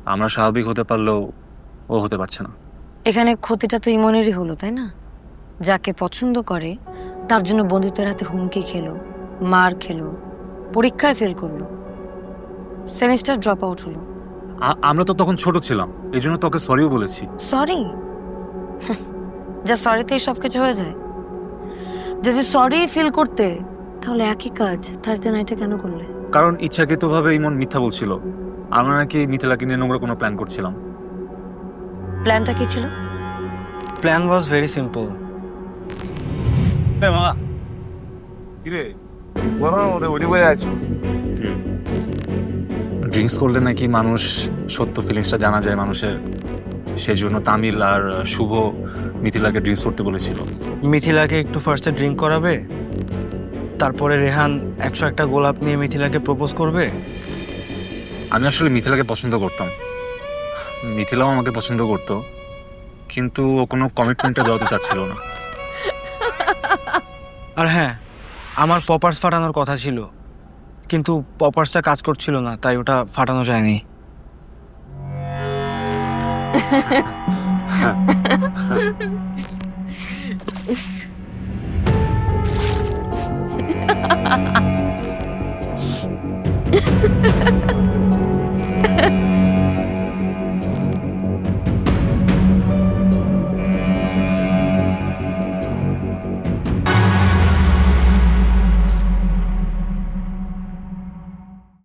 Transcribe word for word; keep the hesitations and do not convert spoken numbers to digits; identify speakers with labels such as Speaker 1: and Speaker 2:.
Speaker 1: আমরা স্বাভাবিক হতে পারলেও ও হতে পারছে না।
Speaker 2: এখানে ক্ষতিটা তো ইমনেরই হলো, তাই না? যাকে পছন্দ করে তার জন্য বন্ধুত্বের হাতে হুমকি খেলো, মার খেলো, পরীক্ষায় ফেল করলো, সেমিস্টার ড্রপ আউট হলো।
Speaker 1: আ- আমরা তো তখন ছোট ছিলাম, এই জন্য তোকে সরিও বলেছি।
Speaker 2: সরি? যা সরিতেই সব কিছু হয়ে যায়? যদি সরি ফিল করতে তাহলে একই কাজ থার্সডে নাইটে কেন করলে?
Speaker 1: কারণ ইচ্ছাকৃতভাবে ইমন মিথ্যা বলছিল। আমরা নাকি মিথিলাকে নিয়ে নোংরা কোনো প্ল্যান করছিলাম।
Speaker 2: প্ল্যানটা কি ছিল?
Speaker 3: Plan was very simple.
Speaker 4: মামা কিরে গরমের মধ্যে উঠে বয়ে আছিস?
Speaker 1: ড্রিঙ্কস করলে নাকি মানুষ সত্য ফিলিংসটা জানা যায় মানুষের, সেই জন্য তামিল আর শুভ মিথিলাকে ড্রিঙ্কস করতে বলেছিল।
Speaker 3: মিথিলাকে একটু ফার্স্টে ড্রিঙ্ক করাবে, তারপরে রেহান একশো একটা গোলাপ নিয়ে মিথিলাকে প্রপোজ করবে।
Speaker 1: আমি আসলে মিথিলাকে পছন্দ করতাম, মিথিলাও আমাকে পছন্দ করতো, কিন্তু ও কোনো কমিটমেন্টটা দেওয়াতে চাচ্ছিল না।
Speaker 3: আর হ্যাঁ, আমার পপার্স ফাটানোর কথা ছিল, কিন্তু পপার্সটা কাজ করছিল না, তাই ওটা ফাটানো যায়নি।